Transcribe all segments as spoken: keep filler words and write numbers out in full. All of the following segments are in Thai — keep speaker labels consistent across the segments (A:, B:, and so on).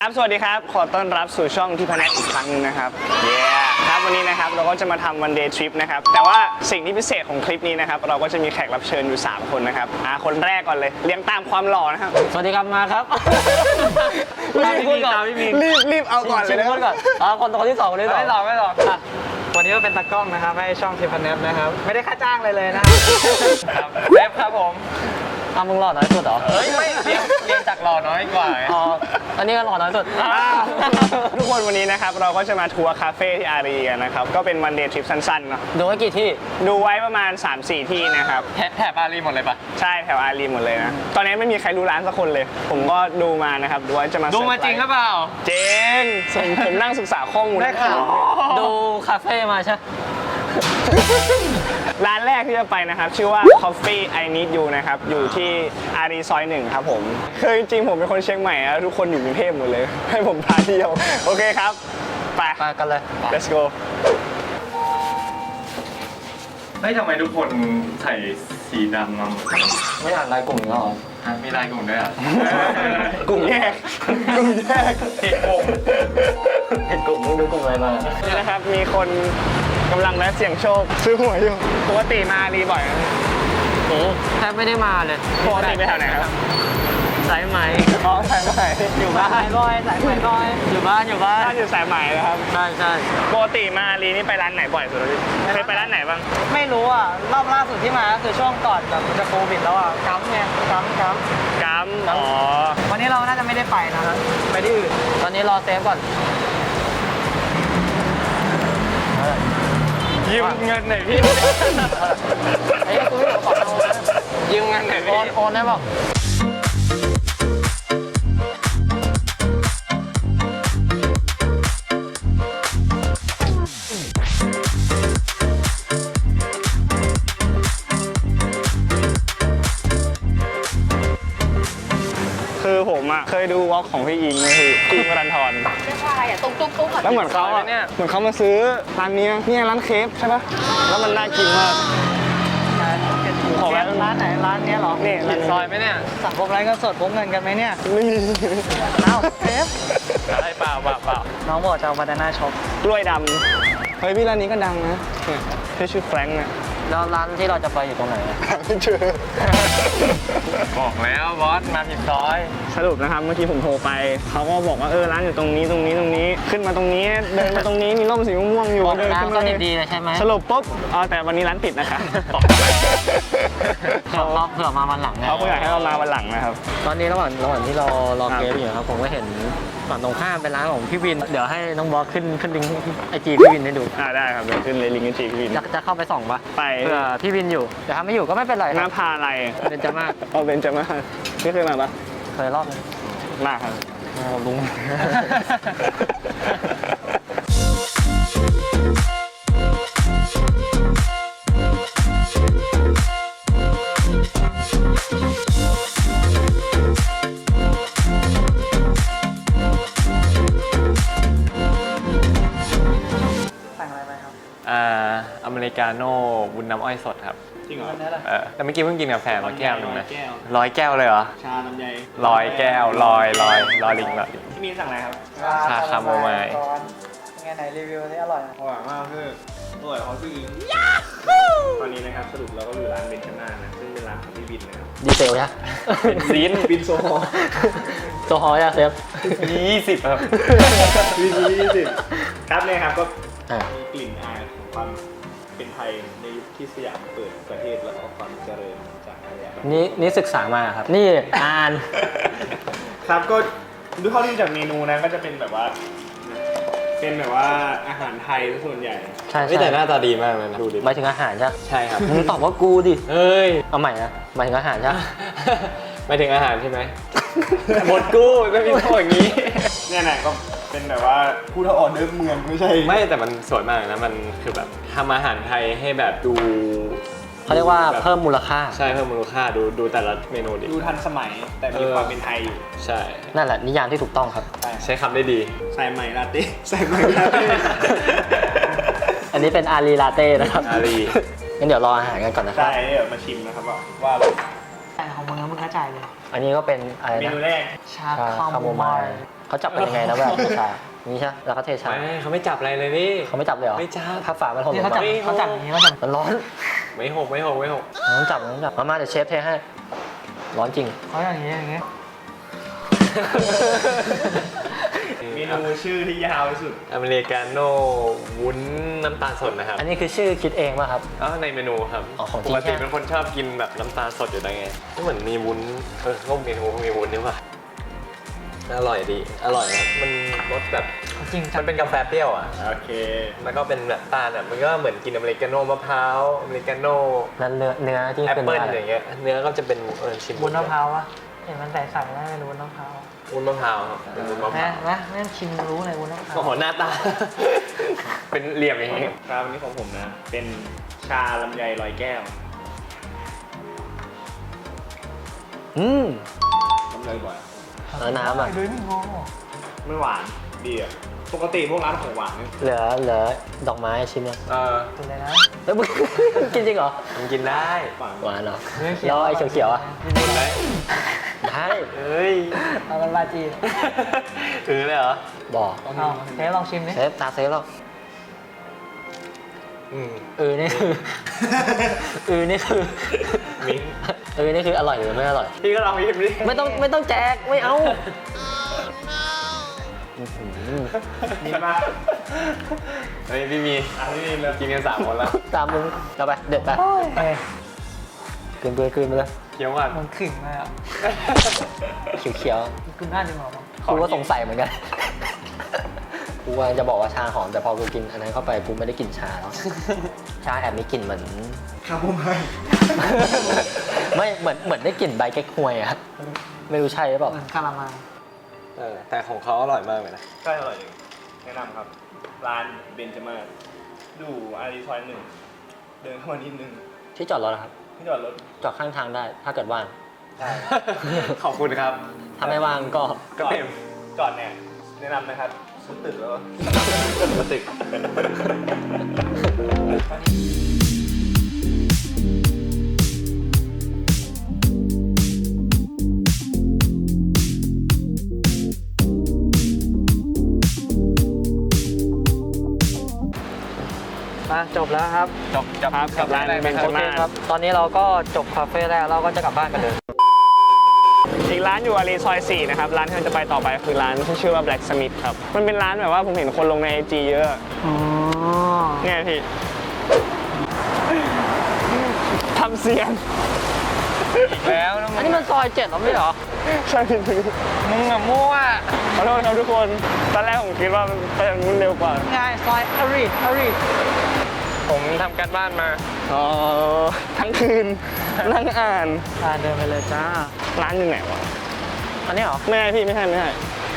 A: ครับสวัสดีครับขอต้อนรับสู่ช่องที่พนักอีกครั้งนึงนะครับเย้ครับวันนี้นะครับเราก็จะมาทำวันเดย์ทริปนะครับแต่ว่าสิ่งที่พิเศษของคลิปนี้นะครับเราก็จะมีแขกรับเชิญอยู่สามคนนะครับอ่าคนแรกก่อนเลยเลี้ยงตามความหล่อนะครับ
B: สวัสดีครับมาครับ
A: รีบพูดก่อนรีบรีบเอาก่อนเลยนะ
B: พูดก่อนอ๋อคนคนที่สองคนที่สอง
C: ไม่หรอกไม่หรอกอ่ะวันนี้ก็เป็นตากล้องนะครับให้ช่องทิพเนฟนะครับไม่ได้ค่าจ้างเลยเลยนะครับเล็บครับผม
B: อ้าวมึงหล่อน้อยสุดเหรอ
C: เฮ้ยไม่เรียนเรียนจากหล่อน้อยกว่า
B: อ๋ออันนี้ก็หล่อน้อยสุด
A: ทุกคนวันนี้นะครับเราก็จะมาทัวร์คาเฟ่ที่อารีกันนะครับก็เป็นวันเดย์ทริปสั้นๆเนาะ
B: ดูไว้กี่ที่
A: ดูไว้ประมาณ สามสี่ ที่นะครับ
C: แถบอารีหมดเลยปะ
A: ใช่แถวอารีหมดเลยนะตอนนี้ไม่มีใครรู้ร้านสักคนเลยผมก็ดูมานะครับดูว่าจะมา
C: ดูมาจริงหรือเปล่า
A: เจงผมนั่งศึกษาข้อมูลได้ข่าว
B: ดูคาเฟ่มาใช่
A: ร้านแรกที่จะไปนะครับชื่อว่า Coffee I Need You นะครับอยู่ที่อารีซอยหนึ่งครับผมคือจริงๆผมเป็นคนเชียงใหม่แล้วทุกคนอยู่กรุงเทพหมดเลยให้ผมพาเที่ยวโอเคครับไป
B: ไปกันเลย
A: let's go
C: เฮ้ยทำไมทุกคนใส่สีดำมาหมด
B: ไม่อ่านรายกลุ่มเหรอ
C: มีลายกลุ่มด้วยอ่ะ
A: กลุ่มแยกกลุ่มแยก
C: ผิดกลุ่ม
B: เห็นกลุ่มมึงดูกลุ่มอะไรมา
A: นี่นะครับมีคนกำลังและเสี่ยงโชคซื้อหวยอยู่ปกติมาอารีบ่อยไหม
B: โอ้แทบไม่ได้มาเลย
A: ปกติไปแถวไหนครับ
B: สายไหม
A: อ๋อสายไหม
B: อยู่บ้านสายบอยสายไหมบอยอยู่บ้านอยู่บ้าน
A: บ้านอยู่สายไหมนะครับ
B: ใช่ใช่
A: ปกติมาอารีนี่ไปร้านไหนบ่อยสุดเลยเคยไปร้านไหนบ้าง
C: ไม่รู้อ่ะรอบล่าสุดที่มาก็คือช่วงก่อนแบบจะโควิดแล้วอ่ะกัมเนี่ยกัมกัม
A: กัมอ๋อ
C: วันนี้เราน่าจะไม่ได้ไปนะครับไปที่อื่น
B: ตอนนี้รอเซฟก่อน
C: ยืมเงินหน่อยพี่
B: ไอ้กูไม่บอกบอกเอา
C: ยืมเงินหน่อยพี่
B: โอนโอนได้บอก
A: คือผมอ่ะเคยดูวอล์กของพี่อิงนะพี่อิงวรันทร
D: ใช่อ่ะตุ๊กตุ๊กตุ๊ก
A: แล้วเหมือนเขาอ่ะเหมือนเขามาซื้อร้านนี้เนี่ยร้านเคฟใช่ปะแล้วมันน่ากินมาก
C: ขอแวะร้านไหนร้านนี้หรอ
A: นี่
C: ร้านซอยไหมเนี่ยสั่งพวกไรก็สดพวกเงินกันไหมเนี่ย
A: ไม่มี
C: เอ้าเคฟอะไรเปล่าเปล่าเปล่าน้องบอกจะเอาบานาน่าช็อป
A: กล้วยดำเฮ้ยพี่ร้านนี้ก็ดังนะชื่อชื่อแฟรงค์นะ
B: แล้วร้านที่เราจะไปอยู่ตรงไหน
A: ไม่เจอ
C: บอกแล้วบอสมาผิดซอย
A: สรุปนะครับเมื่อกี้ผมโทรไปเขาก็บอกว่าเออร้านอยู่ตรงนี้ตรงนี้ตรงนี้ขึ้นมาตรงนี้เดินมาตรงนี้มีร่มสีม่วงอยู่
B: เดินขึ้นมาดีๆเลยใช่ไหม
A: สรุปปุ๊บอ๋อแต่วันนี้ร้านปิดนะคะ
B: เขาเผื่อมาวันหลัง
A: เขาอยากให้เรามาวันหลังนะครับ
B: ตอนนี้ระหว่างระหว่างที่เรารอเกมอยู่ครับผมก็เห็นฝั่งตรงข้ามเป็นร้านของพี่วินเดี๋ยวให้น้องบอสขึ้นขึ้นลิงก์ไอจีพี่วินให้ดู
A: อ่าได้ครับเดี๋ยวขึ้นเลยลิงก์ไอจีพี่วิน
B: จะจะเข้าไปส่องปะ
A: ไป
B: เผื่อพี่วินอยู่แต่ถ้าไม่อยู่ก็ไม่เป็นไร
A: น้าพาอะไร
B: เป็นจะมาก
A: เอาเป็นจะมากไม่เคยมาปะ
B: เคยรอบ
A: มากครับ
B: ลุง
C: อเมริกาโน่วุ้นน้ำอ้อยสดครับ
A: จริงเหรอ
C: เออแต่เมื่อกี้เพิ่งกินกาแฟมาแก้วนึงนะร้อยแก้วเลยเหรอ
A: ชาลำไย
C: ร้อยแก้วลอยลอยลอยลิงละ
A: ที่มีสั่งอะไรครับ
C: ชาคาโมไมล์
B: ไงไหนรีวิวนี่อร่อย
A: อร่อยมากคืออร่อยเขาพี่อิงตอนนี้นะครับสรุปเราก็อยู่ร้านเบนจาม่านะซึ่งเป็นร้านของพี่บินนะครับ
B: ดีเซลยะ
A: บินบินโซฮอ
B: โซฮอยะเซฟ
C: ยี่สิบครับ
A: บินยี่สิบครับเนี่ยครับก็มีกลิ่นอายของความเป็นไทยในยุคที่สยามเปิดประเทศแล้วก็ความเจริญจากอะไร
B: นี่นี่ศึกษามาครับนี่อ่าน
A: ครับก็ดูเท่าที่จากเมนูนะก็จะเป็นแบบว่าเป็นแบบว่าอาหารไทยส่วนใหญ่
B: ใช่
C: แต่หน้าตาดีมากเลยนะ
B: ดูดิหมายถึงอาหารใช่
C: ใช่ครับ
B: มึงตอบว่ากูดิ
C: เฮ้ย
B: เอาใหม่นะหมายถึงอาหารใช่
C: หมายถึงอาหารใช่ไหมหมดกู้ไม่มีโทษอย่างนี้
A: เนี่ยนะก็เป็นแบบว่าผู้ทออเดอร์เมืองไม่ใช่
C: ไม่แต่มันสวยมากนะมันคือแบบทำอาหารไทยให้แบบดู
B: เขาเรียกว่าเพิ่มมูลค่า
C: ใช่เพิ่มมูลค่าดูดูแต่ละเมนูดิ
A: ดูทันสมัยแต่มีความเป็นไทยอยู่
C: ใช่
B: นั่นแหละนิยามที่ถูกต้องครับ
C: ใช้คำได้ดี
A: ใส่ใหม่ลาเต้ใส่ใหม่ลาเต้
B: อันนี้เป็นอารีลาเต้นะครับ
C: อารี
B: งั้นเดี๋ยวรออาหารกันก่อนนะครับ
A: ใช่เดี๋ยวมาชิมนะครับว่าว่า
B: แต่ของมึงมึงกระจายเลยอันนี้ก็เป็นอะไรนะ
A: เมนูแรก
B: ชาคาโมไมล์เขาจับเป็นยังไงนะแบบเทชานี่ใช่แล้วก็เทชา
D: ไม่เขาไม่จับอะไรเลยพี่
B: เขาไม่จับเลยเหรอ
D: ไม่จับ
B: ถ้าฝามันหก
C: นี่
B: ลง
C: เขาจับ
B: มา
C: เขาจับอย่างนี้เขาจับ
B: มันร้อน
D: ไม่หกไม่หกไม่หก
B: ต้องจับต้องจับมามาเดี๋ยวเชฟเทให้ร้อนจริง
C: เขาอย่างนี้อย่างนี้
A: เมนูชื่อที่ยาวที่สุด
D: อเมริกาโน่วุ้นน้ำตาลสดนะครับ
B: อันนี้คือชื่อคิดเองป่ะครับ
D: อ๋อในเมนูครับ
B: อ๋อของจริ
D: ป
B: ง
D: กติ
B: ใช่ไหม
D: เป็นคนชอบกินแบบน้ำตาลสดอยู่แล้วไงก็เหมือนมีวุ้นเออก็เมนูมีวุ้นนี่ว่ะอร่อยดีอร่อยนะมันรสแบบ
C: จริงจั
D: มันเป็นกาแฟเปรี้ยวอ่ะ
A: โอเค
D: แล้วก็เป็นแบบตาลอ่ะมันก็เหมือนกินอเมริกาโน่มะพร้าวอเมริกาโน่
B: แล้วเนื้อเนื้อที่
D: แอป
B: เป็น
D: เปิ้ล
B: อะไร
D: อย่างเงี้ยเนื้อก็จะเป็นเออชิม
C: วุ้นมะพร้าวอะเห็นมันใส่ๆแล้วเป็นวุ้นมะพร้าว
D: วุ้นมะพร้าวครับเป็นวุ้นมะพ
C: แม่
D: ร้าว
C: นะแม่ชิมรู้เลยวุ้นมะพร้าว
D: โอ้โหหน้าตา เป็นเหลี่ยมอย่างงี้
A: ครับวันนี้ของผมนะ เป็นชาลำไยลอยแก้ว
B: อืม
A: ลำไยบ่อย
B: แล้วน้ำอ่ะ
C: ดูนี่โง่
A: ไม่หวานดีอ่ะปกติพวกร้านของหวานเนี่ย
B: เหลือเหลือดอกไม้ชิมยัง
D: เออ
C: กินเลยนะ
B: แล้วมึง กินจริงเหรอ
D: มันกินได้
A: หวาน
B: หวานเหรอ
C: เนื้อเขีย
B: แล้ว วไอ้เขียวๆอ่ะ
D: กินได้
B: ได้
D: เฮ้ย
C: เอามันบาจีน
D: ถือเลยเหรอ
B: บอก
C: เอาเทสลองชิมดิ
B: เซฟตาเซฟแล้ว
D: อืม
B: เออนี่คือ เออนี่คือ
D: มิ้นท์
B: เออนี่คืออร่อยหรือไม่อร่อย
D: พี่ก็ลองพิมพ์ดิ
B: ไม่ต้องไม่ต้องแจกไม่เอาอื้อหือ
A: มีมา
D: เฮ้ยพี่มี
A: อันนี้เลย
D: กินกันสามคนแล้ว
B: ตามมึงเราไปเด็ดไป
C: เอ้ย
B: กลืนไปกลืนไปเลย
D: เคี้ยวก่อน
C: มันขึงเลยอ่ะ
B: เขียว
C: คุณน่าดีกว่ามั้ง
B: ๆกูก็สงสัยเหมือนกันกูว่าจะบอกว่าชาหอมแต่พอกูกินอันนั้นเข้าไปกูไม่ได้กลิ่นชาแล้วชาแอบมีกลิ่นเหมือน
A: ครับผมให้
B: ไม่เหมือนเหมือนได้กลิ่นใบเก๊กฮวยอะไม่รู้ใช่หรือเปล่า
C: เหมือนคารามัง
D: เออแต่ของเขาอร่อยมากเลยนะ
A: ใช่อร่อยจริงแนะนำครับ ร้านเบนจามาศดูอารีซอยหนึ่ง เดินเข้ามานิดนึง
B: ที่จอดรถนะครับ
A: ที่จอดรถ
B: จอดข้างทางได้ถ้าเกิดว่าง
A: ใช่
D: ขอบคุณครับ
B: ถ้าไม่ว่างก็
A: จอดจอดเนี่ยแนะนำนะครับซื้อตึกแล้ว
D: มาตึก
C: มาจบแล้วครับ
D: จบจับ
A: ครับกับร้านเบน
C: โอ
A: จา
C: เค
A: มาศ
C: ครับ ตอนนี้เราก็จบคาเฟ่แรกเราก็จะกลับบ้านกันเลย
A: อีกร้านอยู่อารีซอยสี่นะครับ ร้านที่เราจะไปต่อไปคือร้านที่ชื่อว่า Black Smith ครับ มันเป็นร้านแบบว่าผมเห็นคนลงในไอจีเยอะ
C: อ๋อ
A: เนี่ยพี่ทำเสียง
D: แล้วนะ
B: อันนี้มันซอยเจ็ดหรอไม่เหรอ
A: ใช่พี่
D: มึงอะมั่ว
A: ขอโทษครับทุกคน ตอนแรกผมคิดว่ามันไปทางนู้นเร็วกว่า
C: ง่ายซอยอารีอารี
D: ผมทำการบ้านมา
A: อ๋อ ทั้งคืน นั่งอ่าน
C: อ่าเดินไปเลยจ้า
A: ร้านอยู่ไหนวะ
B: อันนี้เหรอ
A: ไม่ใช่พี่ไม่ใช่ไม่ใช่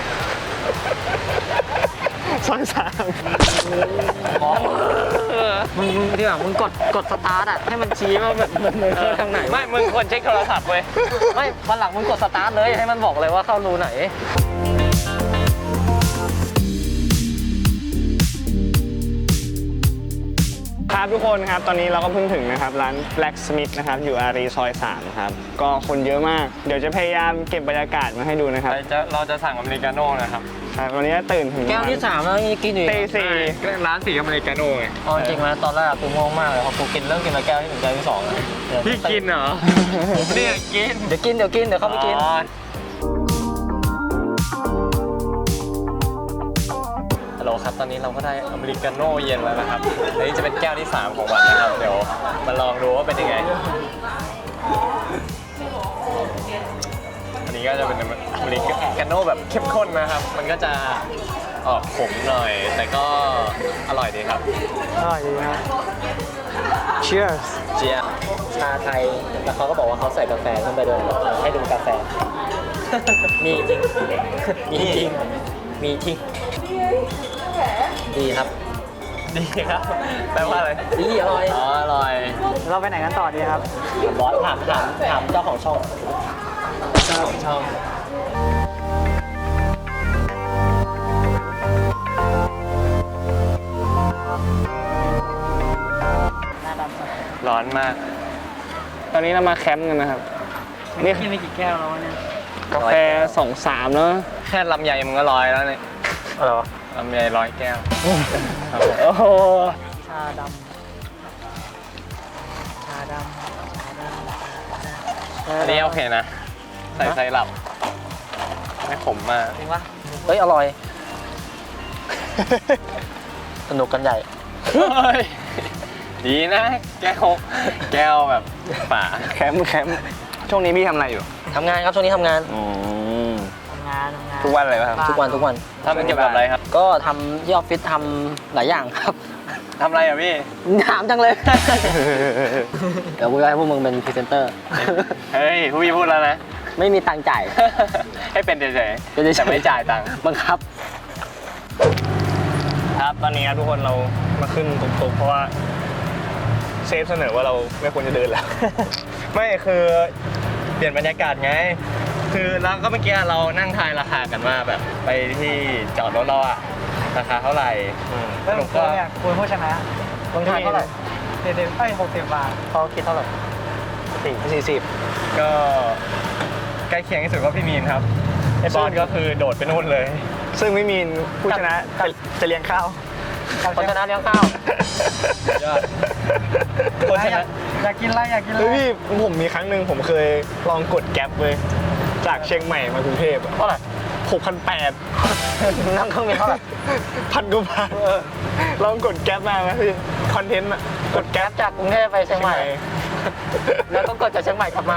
A: ซอยสาม
B: อ๋อมึงมึงดีกว่ามึงกดกดสตาร์ทอ่ะให้มันชี้ว่าแบบมันเลยเข้าทางไหน
D: ไม่ มึงควรเช็คโทรศัพท์เว้ย
B: ไม่วันหลังมึงกดสตาร์ทเลยให้มันบอกเลยว่าเข้ารูไหน
A: ครับทุกคนครับ ตอนนี้เราก็เพิ่งถึงนะครับ ร้าน Black Smith นะครับ อยู่อารีซอยสามครับ ก็คนเยอะมาก เดี๋ยวจะพยายามเก็บบรรยากาศมาให้ดูนะครับ
D: เราจะเราจะสั่งอเมริกาโน่นะครับ
A: ครับวันนี้ตื่นถึง
B: แก้วที่สามแล้วยังกินอยู่
A: ตีสี่
D: ร้านสีอเมริกาโน่ไง
B: เอาจริงไหมตอนแรกกูง่วงมากเลยพอกูกินเริ่มกินมาแก้วที่หนึ่งแก้วที่สองแล้วเดี๋ยว
D: พี่กินเหรอ เนี่ยกิน
B: เดี๋ยวกินเดี๋ยวกินเดี๋ยวเข้าไปกิน
D: อ๋อ ฮัลโหลครับ ตอนนี้เราก็ได้อเมริกาโน่เย็นแล้วนะครับอันนี้จะเป็นแก้วที่สามของวันนะครับ เดี๋ยวมาลองดูว่าเป็นยังไง อันนี้ก็จะเป็นอเมริกาโน่แบบเข้มข้นนะครับ มันก็จะออกขมหน่อย แต่ก็อร่อยดีครับ
C: อร่อยดีนะ Cheers
D: เจีย
B: ชาไทยแล้วเขาก็บอกว่าเขาใส่กาแฟขึ้นไปด้วยให้ดูกาแฟ มีจริง มีจริง มีจริง ดีครับ
D: ดีครับ แปลว่าอะไร
B: ดีอร่อย
D: อ๋อ อร่อย
C: เราไปไหนกันต่อดีครับ
B: บอสถามถามถามเจ้าของช่อง
D: เจ้าของช่อง
C: หน้าดำสัก
D: ร้อนมาก
A: ตอนนี้เรามาแคมป์กันนะครับ นี่
C: กินไปกี่แก้วแล้ววะเนี่ย
A: กาแฟสองสามแล้ว
C: แค
D: ค่ลำไยมันก็ร้อยแล้วเนี่ย
B: อะไรวะ
D: ลำไยร้อยแก้ว
A: โอ้โห
C: ชาดำชาดำชาดำ
D: อันนี้โอเคนะ ใส่ไซรัปไม่ขมมาก
C: จริงปะ
B: เฮ้ย อร่อย สนุกกันใหญ่
D: เฮ้ยดีนะ แก้ว แก้วแบบฝา
A: แคมป์แคมป์ช่วงนี้พี่ทำอะไรอยู่
B: ทำงานครับ ช่วงนี้ทำงาน
A: อืม
C: ทำงานทำงาน
A: ทุกวันเลยป่ะครับ
B: ทุกวันทุกวัน
D: ทำเกี่ยวกับอะไรครับ
B: ก็ทำที่ออฟฟิศทำหลายอย่างครับ
D: ทำอะไรอ่ะพี่
B: ถามจังเลย เดี๋ยวกูจะให้พวกมึงเป็นพรีเซนเตอร์
D: เฮ้ยผู้พี่พูดแล้วนะ
B: ไม่มีตังค์จ่าย
D: ให้เป็นเฉย
B: เป็นเฉยๆ
D: ๆแต่ไม่จ่ายตังค์
B: บังคับ
A: ครับตอนนี้ครับทุกคนเรามาขึ้นตุกๆเพราะว่าเซฟเสนอว่าเราไม่ควรจะเดินแล้ว
D: ไม่คือเปลี่ยนบรรยากาศไง คือแล้วก็เมื่อกี้เรานั่งทายราคากันว่าแบบไปที่จอดรถเราอะราคาเท่าไหร่ส
C: เริ่ม
D: รุป
C: ก็
D: ก็
C: เนี่ยคุณผู้ชนะ
B: ลงทานเท่าไหร่
C: เจ็ดสิบเอ้ยหกสิบบาท
B: เขาคิดเท่าไหร่
A: สี่สี่สิบ
D: ก็ใกล้เคียงที่สุดก็พี่มีนครับไอ้บอลก็คือโดดไปนู่นเลย
A: ซึ่งไม่มีผู้ชนะจะจะเลี้ยงข้าว
B: คนชนะเลี้ยงข้าว
D: ยอด คนช
C: อยา
D: นะ
C: กอยากกินอะไรอยากกินอะไร
A: เฮ้ยพี่ผมมีครั้งหนึ่งผมเคยลองกดแก๊ปเลยจากเชียงใหม่มากรุงเทพ
B: เท่าไหร่
A: หกพันแปด
B: นั่งเครื่องบินเท่าไหร่
A: พันกว่าบาทลองกดแก๊ปมาไหมพี่คอนเทนต์อะกดแก๊ป
B: จากกรุงเทพไปเชียงใหม่ แล้วก็กดจากเชียงใหม่กลับมา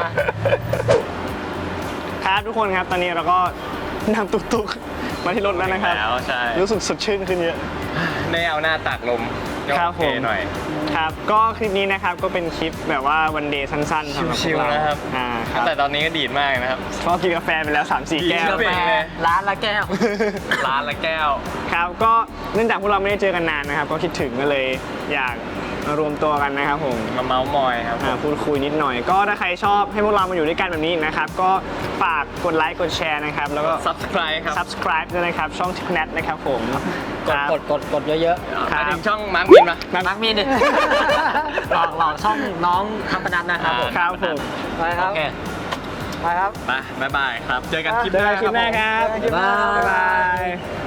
A: ครับทุกคนครับตอนนี้เราก็นั่งตุกๆมาที่รถแล้วนะครับ
D: แล้วใช่
A: รู้สึกสดชื่นขึ้นเยอะ
D: ได้เอาหน้าตากลมก็
A: ครับ
D: โอเค
A: ผม
D: หน่อย
A: ครับก็คลิปนี้นะครับก็เป็นคลิปแบบว่าวันเดย์สั้นๆสำหรับพ
D: ชิ
A: ว
D: ว
A: กเรา
D: ๆนะครับ
A: อ่าครับ
D: แต่ตอนนี้ก็ดีดมากนะครับ
A: ก็กินกาแฟไปแล้ว สามสี่ แก้ว
D: ดีดกาแฟ
B: ร้านละแก้ว
D: ร้านละแก้ว
A: ครับก็เนื่องจากพวกเราไม่ได้เจอกันนานนะครับ ก็คิดถึงก็เลยอยากมารวมตัวกันนะครับผม
D: มาเมาส์มอยครับ
A: อ่าพูดคุยนิดหน่อย ก็ถ้าใครชอบให้พวกเรามาอยู่ด้วยกันแบบนี้นะครับ ก็ฝากกดไลค์กดแชร์นะครับ แล้วก็
D: subscribe ครับ
A: subscribe ด้วยนะครับ ช่องทิปแนทนะครับผม
B: กดกดกดกดเยอะ
A: ครั
D: มา
A: บ
D: ถึงช่องมาร์คมินปะ
B: ๆ มักมีดิ หลอกหลอกช่องน้องทำพนันนะครับผม
A: ครับผม
C: ไปค
B: โอ
C: รับ
B: เค
C: ไปครับ
D: ไปบ๊ายบายครับ เจอกันคลิป
A: เจอกันคลิปหน้า
D: ผม
A: ครับ
C: บ๊ายบาย
A: บ๊ายบาย